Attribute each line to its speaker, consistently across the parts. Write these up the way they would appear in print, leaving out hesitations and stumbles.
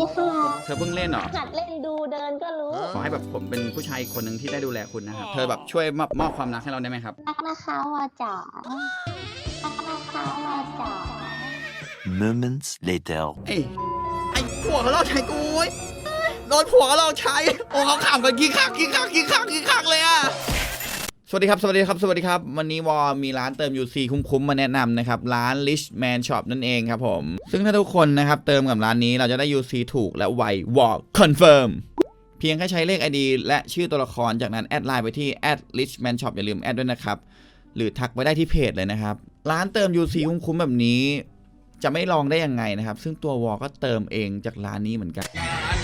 Speaker 1: ค่ะ
Speaker 2: เธอเพิ่งเล่นเหรอ
Speaker 1: หัดเล่นดูเดินก็รู้
Speaker 2: ขอให้แบบผมเป็นผู้ชายคนหนึ่งที่ได้ดูแลคุณนะครับเธอแบบช่วยมอบความรักให้เราได้ไหมครับ
Speaker 1: รักนะคะวาจ๋ารักนะคะวาจ๋า
Speaker 3: Moments later.
Speaker 2: ไอ้ผัวเขาลอกใช้กูเว้ยโดนผัวเขาลอกใช้โอ้เขาขำกันกี่คักเลยอะสวัสดีครับวันนี้วอมีร้านเติม UC คุ้มๆมาแนะนำนะครับร้าน Rich Man Shop นั่นเองครับผมซึ่งถ้าทุกคนนะครับเติมกับร้านนี้เราจะได้ UC ถูกและไววอคอนเฟิร์มเพียงแค่ใช้เลข ID และชื่อตัวละครจากนั้นแอดไลน์ไปที่ @richmanshop อย่าลืมแอดด้วยนะครับหรือทักไปได้ที่เพจเลยนะครับร้านเติม UC คุ้มๆแบบนี้จะไม่ลองได้ยังไงนะครับซึ่งตัววอก็เติมเองจากร้านนี้เหมือนกัน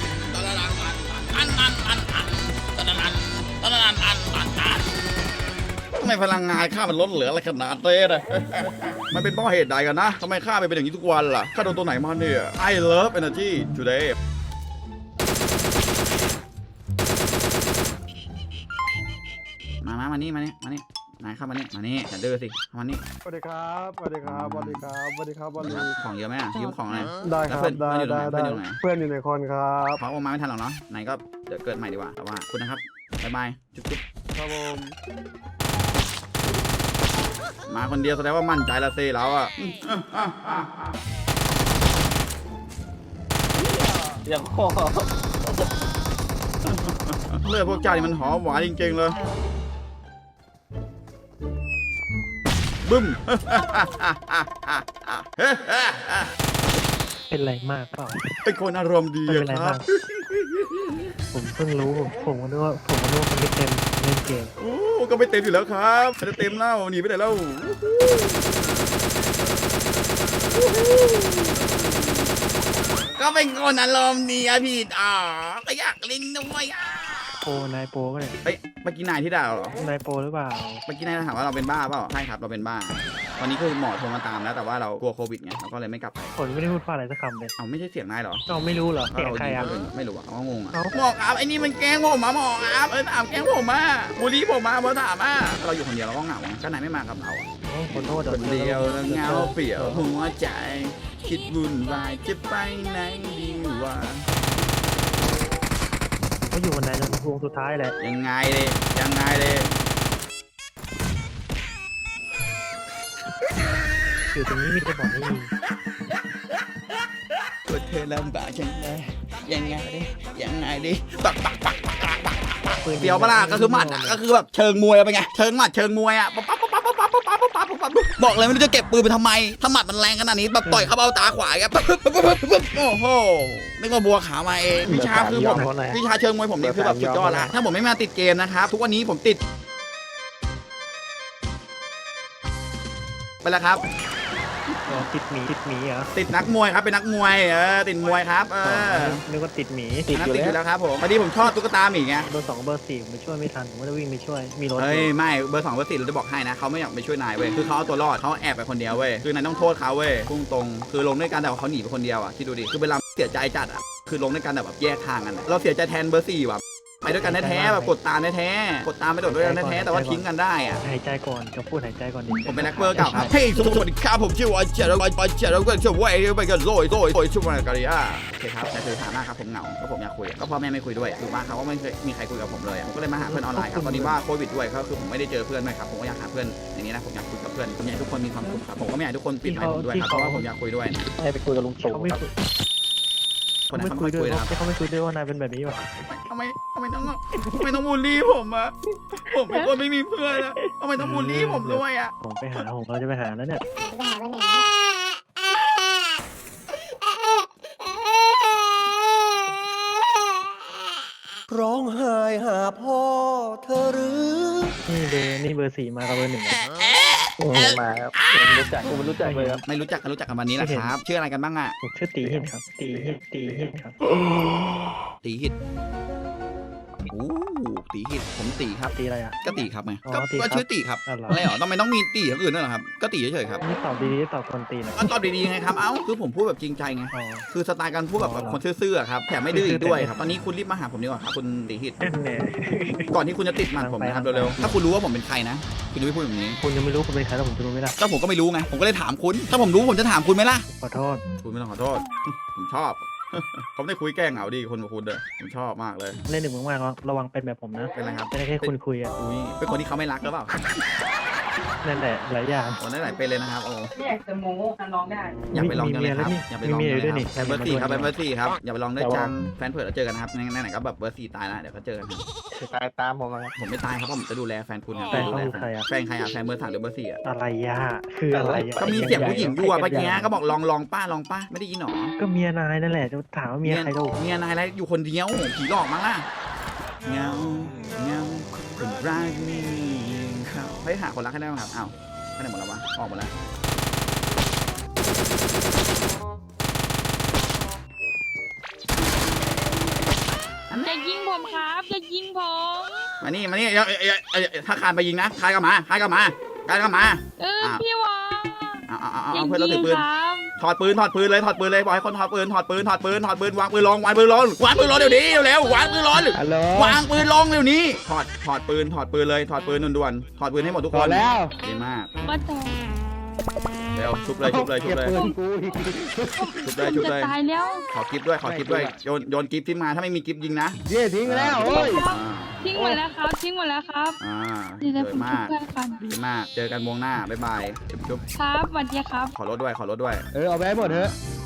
Speaker 2: ทำไมพลังงานข้ามันลดเหลืออะไรขนาดนี้เลยมันเป็นเพราะเหตุใดกันนะทำไมข้าเป็นอย่างนี้ทุกวันล่ะข้าโดนตัวไหนมาเนี่ย I love energy today มานี่นายเข้ามานี่อย่าดื้อสิเข้ามานี่
Speaker 4: สวัสดีครับ
Speaker 2: ของเยอะไหมอ่ะยืมของอะไร
Speaker 4: ได้ครับ
Speaker 2: เพื่อนอยู่ไหน
Speaker 4: เพื่อนอยู่ในคอนครับ
Speaker 2: เขาออกมาไม่ทันหรอกเนาะไหนก็เดี๋ยวเกิดใหม่ดีกว่าแต่ว่าคุณนะครับบ๊ายบายจุ๊บ
Speaker 4: ครับผม
Speaker 2: มาคนเดียวแสดงว่ามั่นใจละสิเราอ่ะ
Speaker 5: อย่างพ่อ
Speaker 2: เลือดพวกเจ้านี่มันหอมหวานจริงๆเลยบึ้ม
Speaker 5: เป็นไรมากเปล่า
Speaker 2: เป็นคนอารมณ์ดี
Speaker 5: เป็นไร
Speaker 2: ครั
Speaker 5: มา
Speaker 2: บ
Speaker 5: กผมเพิ่งรู้ผมก็นึกว่าคนไม่เต็มเล่นเกม
Speaker 2: โอ้ก็ไม่เต็มอยู่แล้วครับไม่ได้เต็มแล้วหนีไปไหนแล้วก็เป็นคนอารมณ์ดีอะพี่ก็อยากเล่นด้วยอ่ะ
Speaker 5: โปรนายโปรก็เนี่ย
Speaker 2: เฮ้ยเมื่อกี้นายที่ด่าเหรอ
Speaker 5: นายโปรหรือเปล่า
Speaker 2: เมื่อกี้นายถามว่าเราเป็นบ้าเปล่าใช่ครับเราเป็นบ้าตอนนี้คือหมอโทรมาตามแล้วแต่ว่าเรากลัวโควิดไงเราก็เลยไม่กลับไป
Speaker 5: ผมไม่ได้พูดว่าอะไรสักคำเลย
Speaker 2: เอาไม่ใช่เสียงนายเหรอ
Speaker 5: เราไม่รู้เหรอเสียงใครอ่ะ
Speaker 2: ไม่รู้อ่ะเขางงอ่ะ
Speaker 5: เอ้า
Speaker 2: หมอครับไอ้นี่มันแกล้งผมมาหมอครับถามแกล้งผมมาบูลลี่ผมมาถามมาเราอยู่คนเดียวเราก็เหงาก็นายไม่มากับเราอ่ะ
Speaker 5: ขอโทษ
Speaker 2: คนเดียวแล้วเหงาเปลี่ยวหัวใจคิดวุ่นวายจะไปไหนดีวะ
Speaker 5: เขาอยู่วันไหนจนวงสุดท้ายแหละ
Speaker 2: ยังไงเลย
Speaker 5: อยู่ตรงนี้มีแต่บอกไม่มี
Speaker 2: ตัวเธอลำบากจังเลยยังไงดิปักเดียวปะล่ะก็คือหมัดอ่ะก็คือแบบเชิงมวยเป็นไงเชิงหมัดเชิงมวยอ่ะบอกเลยไม่รู้จะเก็บปืนไปทำไมถ้าหมัดมันแรงขนาดนี้แบบต่อยเข้าเบ้าตาขวาครับโอ้โหนึกว่าบัวขาวมาเองวิชาคือผมวิชาเชิงมวยผมนี่คือแบบสุดยอดละถ้าผมไม่มาติดเกมนะครับทุกวันนี้ผมติดไปแล้วครับ
Speaker 5: ติดหมีเหรอ
Speaker 2: ติดนักมวยครับเป็นนักมวยติดมวยครับ
Speaker 5: นึกว่าติดหมี
Speaker 2: ติดอยู่แล้วครับผมพอดีผมชอบตุ๊กตาหมีไง
Speaker 5: เบอร์ 2เบอร์ 4ไม่ช่วยไม่ทันผมก็จะวิ่งไปช่วยมีรถ
Speaker 2: เฮ้ยไม่เบอร์ 2เบอร์ 4เราจะบอกให้นะเขาไม่อยากไปช่วยนายเว้ยคือเขาเอาตัวรอดเขาแอบไปคนเดียวเว้ยคือนายต้องโทษเขาเว้ยพุ่งตรงคือลงด้วยกันแต่ว่าเขาหนีไปคนเดียวอ่ะคิดดูดิคือเวลาเสียใจจัดอ่ะคือลงด้วยกันแบบแยกทางกันเราเสียใจแทนเบอร์ 4ว่ะไปด้วยกันแท้ๆแบบกดตามแท้ๆกดตามไปโดดด้วยกันแท้ๆแต่ว่าทิ้งกันได้อ่ะ
Speaker 5: หายใจก่อนจะพูดหายใจก่อนดิ
Speaker 2: ผมเป็นนักเบอร์เก่าครับเฮ้ยสวัสดีครับผมชื่อว่าเจริญแล้วก็ชื่อว่าไปกันโรยชื่อว่าการิอาโอเคครับแต่คือฐานะครับผมเหงาก็ผมอยากคุยก็พ่อแม่ไม่คุยด้วยถูกป่ะเขาก็ไม่เคยมีใครคุยกับผมเลยผมก็เลยมาหาเพื่อนออนไลน์ครับตอนนี้ว่าโควิดด้วยก็คือผมไม่ได้เจอเพื่อนด้วยครับผมก็อยากหาเพื่อนอย่างนี้นะผมอยากคุยกับเพื่อนผมอยากให้ทุกคนมีความสุขครับผมก็ไม่อยากให้ทุกคนปิดไมค์ผมด้วยครับเพราะว่าผมอยากคุยด้วยนะ
Speaker 5: ให้ไปคุยกับลุงตู่เขาไม่คุย
Speaker 2: คนนั้น
Speaker 5: ไม่
Speaker 2: เขา
Speaker 5: คุย
Speaker 2: ไม่
Speaker 5: ด้
Speaker 2: คุ
Speaker 5: วย
Speaker 2: ยนะครับ
Speaker 5: เขาไม่คุยด้วยว่านายเป็นแบบนี้วะ
Speaker 2: ทำไมต้องบูลลี่ผมอะผมเป็นคนไม่มีเพื่อนอะทำไมต้องบูลลี่ผมด้วยอะ
Speaker 5: ผมไปหาผมเราจะไปหาแล้วเนี่ย
Speaker 1: ไปหาวันไหน
Speaker 6: ร้องไห้หาพ่อเธอหรือ
Speaker 5: นี่เบอร์ 4มากับเบอร์ 1
Speaker 6: มาครับผมรู้จักเลยครับ
Speaker 2: ไม่รู้จักกันวันนี้แหละครับชื่ออะไรกันบ้างอะ
Speaker 5: ผมชื่อตีหินครับตีหินครับ
Speaker 2: ตีหิตโอ้ตีหิตผมตีครับ
Speaker 5: ตีอะไรอ่ะ
Speaker 2: ก็ตีครับไง
Speaker 5: อ๋อ
Speaker 2: ก็
Speaker 5: ตีครับ
Speaker 2: ชื่อตีครับ
Speaker 5: อ๋อเหรออ
Speaker 2: อะไรหรอทำไมต้องมีตีอย่างอื่นด้วยเหรอครับก็ตีเฉยๆครับ
Speaker 5: นี่ตอบดีๆตอบคนตีนะ
Speaker 2: ก็ตอบดีๆไงครับเอ้าคือผมพูดแบบจริงใจไง
Speaker 5: อ๋อ
Speaker 2: คือสไตล์การพูดแบบ
Speaker 5: อ๋อเหรอ
Speaker 2: คนซื่อๆครับแถมไม่ดื้ออีกด้วยครับตอนนี้คุณรีบมาหาผมดีกว่าครับคุณตีหิต
Speaker 5: เนี่ย
Speaker 2: ก่อนที่คุณจะติดหมันผมนะครับเร็วๆถ้าคุณรู้ว่าผมเป็นใครนะคุณจะไม่พูดแบบนี้
Speaker 5: คุณยังไม่รู้คุณเป็นใครแล้วผมจะรู้ไหมล่ะ
Speaker 2: ก็ผมก็ไม่รู้ไงผมก็เลยถามคุณถ้าผมรู้ผมจะถามคุณไหมล่ะ
Speaker 5: ขอโทษ
Speaker 2: คุณไม่ต้องขอโทษ ผมชอบผมได้คุยแก้เหงาดีคนกับคุณเด้อผมชอบมากเลย
Speaker 5: เล่นหนึ่งมากๆระวังเป็นแบบผมนะ
Speaker 2: เป็นไรครับ
Speaker 5: ไม่ได้แค่คุยอ่ะ
Speaker 2: อุ้ยเป็นคนที่เขาไม่รักหรือเปล่า
Speaker 5: นั่นแหละหลายอย่าง
Speaker 2: โอ้ได้หลายเป็นเลยนะครับโอ้
Speaker 7: ไม่อยากจะโม้ร้องได้
Speaker 2: อยากไปลองจังเลยครับ
Speaker 5: มี
Speaker 2: อยากไปลองจังเลย
Speaker 5: ด้วยนี่
Speaker 2: ครับเบอร์สี่ครับ
Speaker 5: มี
Speaker 2: เบอร์สี่ครับอย่าไปลองได้จังแฟนเผื่อเราเจอกันนะครับไหนๆก็แบบเบอร์สี่ตายแล้วเดี๋ยวเขาเจอกันครับ
Speaker 4: ตายตามผมนะครับ
Speaker 2: ผมไม่ตายครับผมจะดูแลแฟนคุณครับ
Speaker 5: แฟน
Speaker 2: ดู
Speaker 5: เขา
Speaker 2: แล
Speaker 5: คือใครอ่ะ
Speaker 2: แฟนใครอ่ะแฟนเบอร์สามหรือเบอร์สี่อ่ะ
Speaker 5: อะไรยะคืออะไรอะ
Speaker 2: ก็มีเสียงผู้หญิงอยู่อะเมื่อกี้ก็บอกลองป้าไม่ได้ยินหรอ
Speaker 5: ก็เมียนายนั่นแหละจะถามว่าเมียใครก็
Speaker 2: เมียนายอะไรอยู่คนเดียวผีหลอกมั้งล่ะเงาคนรักมีเขาเฮ้ยหาคนรักให้ได้ไหมครับอ้าวไปไหนหมดแล้ววะออกหมดแล้ว
Speaker 1: อย่ายิงผมครับอย่ายิงผม
Speaker 2: มานี่ถ้าคานไปยิงนะคานกลับมา
Speaker 1: พี่วอ
Speaker 2: เอาเพื่อนเราถือปืน
Speaker 1: ครับ
Speaker 2: ถอดปืนเลยบอกให้คนถอดปืนวางปืนลงเดี๋ยวนี้เร็ววางปืนลง
Speaker 4: ฮัลโหล
Speaker 2: วางปืนลงเดี๋ยวนี้ถอดปืนเลยถอดปืนด่วนๆถอดปืนให้หมดทุก
Speaker 4: พ
Speaker 2: ค
Speaker 4: อน แล้ว
Speaker 2: ดีมาก
Speaker 1: ว่าแต่
Speaker 2: เร็วชุบเลย
Speaker 4: เก็บปืนกูอีก
Speaker 2: ชุบ
Speaker 1: จะ
Speaker 2: เลย
Speaker 1: ตายแล้ว
Speaker 2: ขอกิฟต์ด้วยโยนกิฟต์ที่มาถ้าไม่มีกิฟต์ยิงนะ
Speaker 4: เย่ทิ้งแล้วโอ้ย
Speaker 1: ทิ้งหมดแล้วครับทิ้งหมดแล้วครับ
Speaker 2: ดี
Speaker 1: เดี๋ยวผม
Speaker 2: มาก
Speaker 1: เพื่อนกัน
Speaker 2: ดีมากเจอกันวงหน้าบ๊ายบายจุ๊บ
Speaker 1: ครับสวัสดีครับ
Speaker 2: ขอรถด้วย
Speaker 4: เอาไปให้หมดเถอะ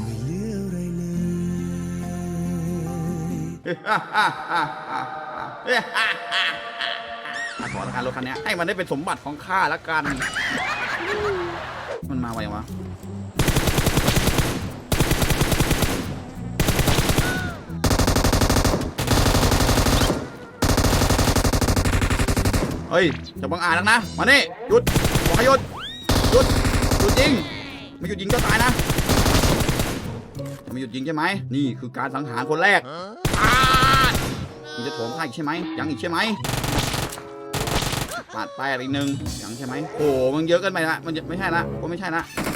Speaker 2: ขอละกันรถคันนี้ให้มันได้เป็นสมบัติของข้าละกัน มันมาไวยังวะเฮ้ยจะบังอาจนักนะมานี่หยุดบอกให้หยุดยิงไม่หยุดยิงก็ตายนะจะไม่หยุดยิงใช่ไหมนี่คือการสังหารคนแรกมึงจะโถมข้าอีกใช่ไหมยังอีกใช่ไหมปาดไปอีกหนึ่งยังใช่ไหมโอ้มันเยอะเกินไปละมันไม่ใช่ละไม่ใช่ละ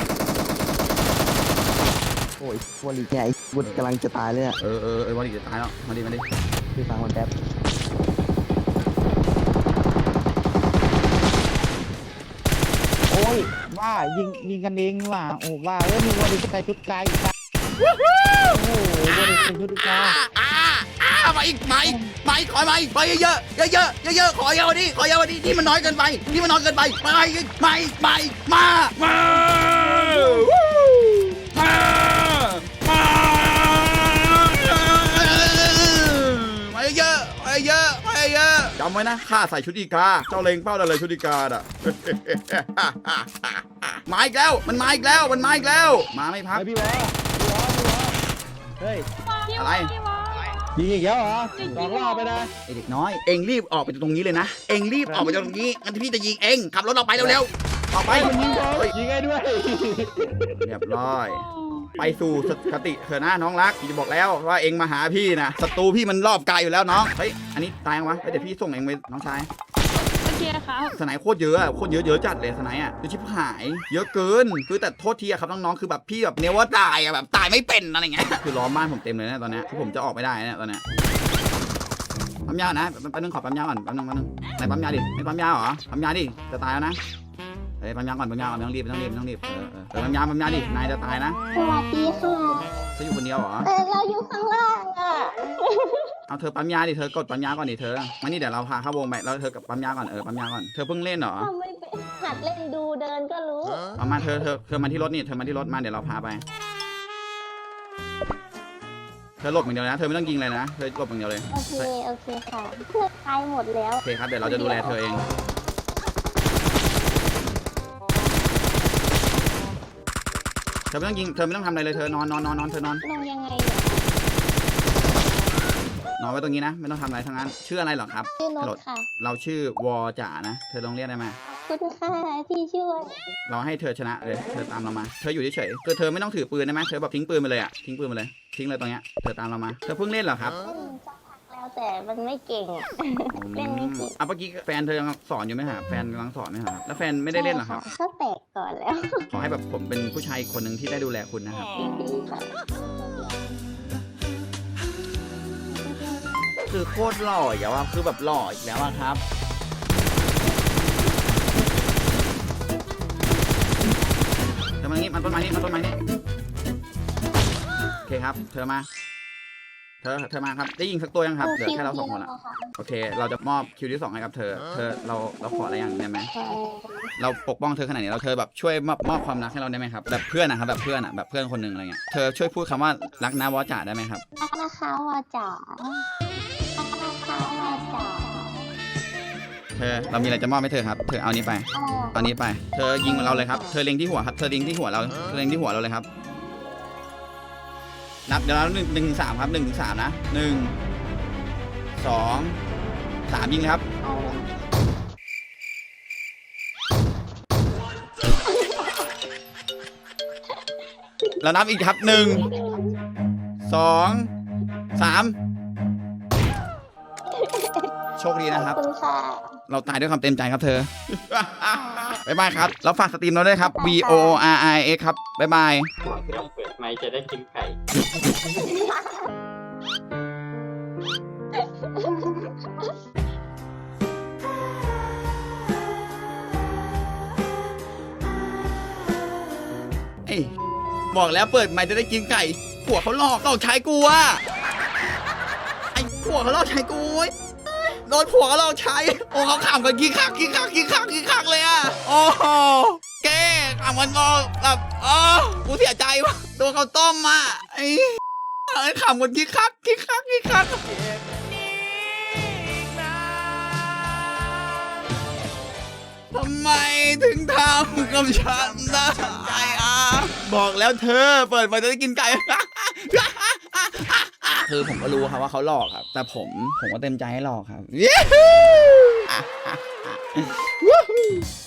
Speaker 8: โอ้ยวันนี้แกไอ้บุญกำลังจะตายเลยอ่ะ
Speaker 2: วันนี้จะตายแล้วมาดิ
Speaker 8: พี่ฟังมันแป๊บ โอ้ยว่ายิงกันเองว่ะโอ้ว่ามีวันนี้จะใส่ชุดไกลอีกโอ้โหวันนี้ใส่ชุดไกล
Speaker 2: มาอีกขอมาอีกไปเยอะขอเยอะดิที่มันน้อยเกินไปมาเยอะจำไว้นะข้าใส่ชุดอีกาเจ้าเล็งเป้าได้เลยชุดอีกาอ่ะ มาอีกแล้วมันมาอีกแล้วมาไม่พัก
Speaker 4: พี่วอเฮ้ย
Speaker 2: อะไร
Speaker 4: ยิงอีกแล้วเหรอสองรอบไปนะ
Speaker 2: ไอเด็กน้อยเอ็งรีบออกไปจากตรงนี้เลยนะเอ็งรีบออกไปจากตรงนี้งั้นพี่จะยิงเอ็งขับรถเราไปเร็วๆออกไป
Speaker 4: ยิงให้ด้วย
Speaker 2: เรียบร้อย ไปสู่สติเถอะนะน้องรักพี่จะบอกแล้วว่าเอ็งมาหาพี่นะศัตรูพี่มันรอบกายอยู่แล้วน้องเฮ้ยอันนี้ตายยังวะเดี๋ยวพี่ส่งเอ็งไปน้องชาย
Speaker 1: โอเคครับ
Speaker 2: สไนโคตรเยอะอะเยอะจัดเลยสไนอะคือชิบหายเยอะเกินคือแต่โทษทีอะครับน้องๆคือแบบพี่แบบเนว่าตายอะแบบตายไม่เป็นอะไรเงี้ยคือล้อมบ้านผมเต็มเลยนะตอนเนี้ยคือผมจะออกไม่ได้นะตอนเนี้ยปั๊มยานะแป๊บนึงขอปั๊มยาก่อนแป๊บนึงไหนปั๊มยาดิไม่ปั๊มยาเหรอปั๊มยาดิจะตายแล้วนะเฮ้ยปั๊มยาก่อนไม่ต้องรีบปั๊มยาดินายจะตายนะ
Speaker 1: สวัสดีค่ะ
Speaker 2: เธออยู่คนเดียวเหรอ
Speaker 1: เราอยู่ข้างล่างอ่ะ
Speaker 2: เอาเธอปั๊มยาดิเธอกดปั๊มยาก่อนดิเธอมานี่เดี๋ยวเราพาเข้าวงไปแล้วเธอกับปั๊มยาก่อนปั๊มยาก่อนเธอเพิ่งเล่นเหรอ
Speaker 1: ทำไม่เป็นหัดเล่นดูเดินก็รู้
Speaker 2: เอามาเธอมาที่รถนี่เธอมาที่รถมาเดี๋ยวเราพาไปเธอหลบอย่างเดียวนะเธอไม่ต้องยิงเลยนะเธอหลบอย่างเดียวเลย
Speaker 1: โอเคค่ะเพื่อนตายหมดแล้ว
Speaker 2: โอเคครับเดี๋ยวเราจะดูแลเธอเองเธอไม่ต้องยิงเธอไม่ต้องทำอะไรเลยเธอนอนเธอนอน
Speaker 1: ลงยังไง
Speaker 2: นอนไว้ตรงนี้นะไม่ต้องทำอะไรทั้งนั้นชื่ออะไรเหรอครับ
Speaker 1: ชื่อรถค่ะ
Speaker 2: เราชื่อวอจ่านะเธอลองเรียกได้ไหม
Speaker 1: ขอบคุณค่ะที่ช่วย
Speaker 2: เราให้เธอชนะเลยเธอตามเรามาเธออยู่เฉยๆเธอไม่ต้องถือปืนได้ไหมเธอแบบทิ้งปืนไปเลยอะทิ้งปืนไปเลยทิ้งเลยตรงเนี้ยเธอตามเรามาเธอเพิ่งเล่นเหรอครับ
Speaker 1: เล่นสักพักแล้วแต่มันไม่เก่งอะเล่นไม่เก่ง
Speaker 2: เมื่อกี้แฟนเธอยังสอนอยู่ไหมฮะแฟนกำลังสอนไหมครับแล้วแฟนไม่ได้เล่นเหรอครับ
Speaker 1: ก็แตกก่อนแล้ว
Speaker 2: ขอให้แบบผมเป็นผู้ชายคนหนึ่งที่ได้ดูแลคุณนะครับ
Speaker 1: ดีค่ะ
Speaker 2: คือโคตรหล่ออีกแล้วอะคือแบบหล่ออีกแล้วอะครับเธอมางี้มันต้นไม้นี่โอเคครับเธอมาเธอมาครับได้ยิงสักตัวยังครับเหลือแค่เรา2 คนละ
Speaker 1: ค่ะ
Speaker 2: โอเค เราจะมอบคิวที่ 2ให้กับเธอเราขออะไรอย่างได้ไหมเราปกป้องเธอขนาดนี้เราเธอแบบช่วยมอบความรักให้เราได้ไหมครับแบบเพื่อนนะครับแบบเพื่อนอะแบบเพื่อนคนหนึ่งอะไรเงี้ยเธอช่วยพูดคำว่ารักนะวอจ่าได้ไหมครับ
Speaker 1: รักนะคะวาจ๋ารักนะคะวาจ๋า
Speaker 2: เธอเรามีอะไรจะมอบให้เธอครับเธอเอานี้ไป
Speaker 1: อะไร
Speaker 2: เอานี้ไปเธอยิงเราเลยครับเธอเล็งที่หัวครับเธอเล็งที่หัวเราเลยครับนับเดี๋ยวเรา1 ถึง 3ครับ1 ถึง 3นะ1 2 3ยิงเลยครับ
Speaker 1: เอาเลย
Speaker 2: แล้วนับอีกครับ1 2 3โชคดีนะค
Speaker 1: ข
Speaker 2: รั
Speaker 1: อบบ คุณค่ะ
Speaker 2: เราตายด้วยความเต็มใจครับเธอ บ๊ายบายครับแล้วฝากสตรีมเราด้วยครับ V O R I X ครับบ๊ายบาย
Speaker 9: เครื่องเปิดไมค์จะได้กินไก่
Speaker 2: เอ้ยบอกแล้วเปิดไมค์จะได้กินไก่ผัวเขาหลอกใช้กูอะไอ้ผัวเขาหลอกใช้กูเว้ยโดนผัวเขาหลอกใช้โอ้เขาขำกันกี่คักเลยอะโอ้โหแกขำกันก็แบบกูเสียใจว่ะตัวเขาต้มอะไอ้ขำกันกี่คักทำไมถึงทำกับฉันได้บอกแล้วเธอเปิดมาจะได้กินไก่ คือผมก็รู้ครับว่าเขาหลอกครับ แต่ผมก็เต็มใจให้หลอกครับ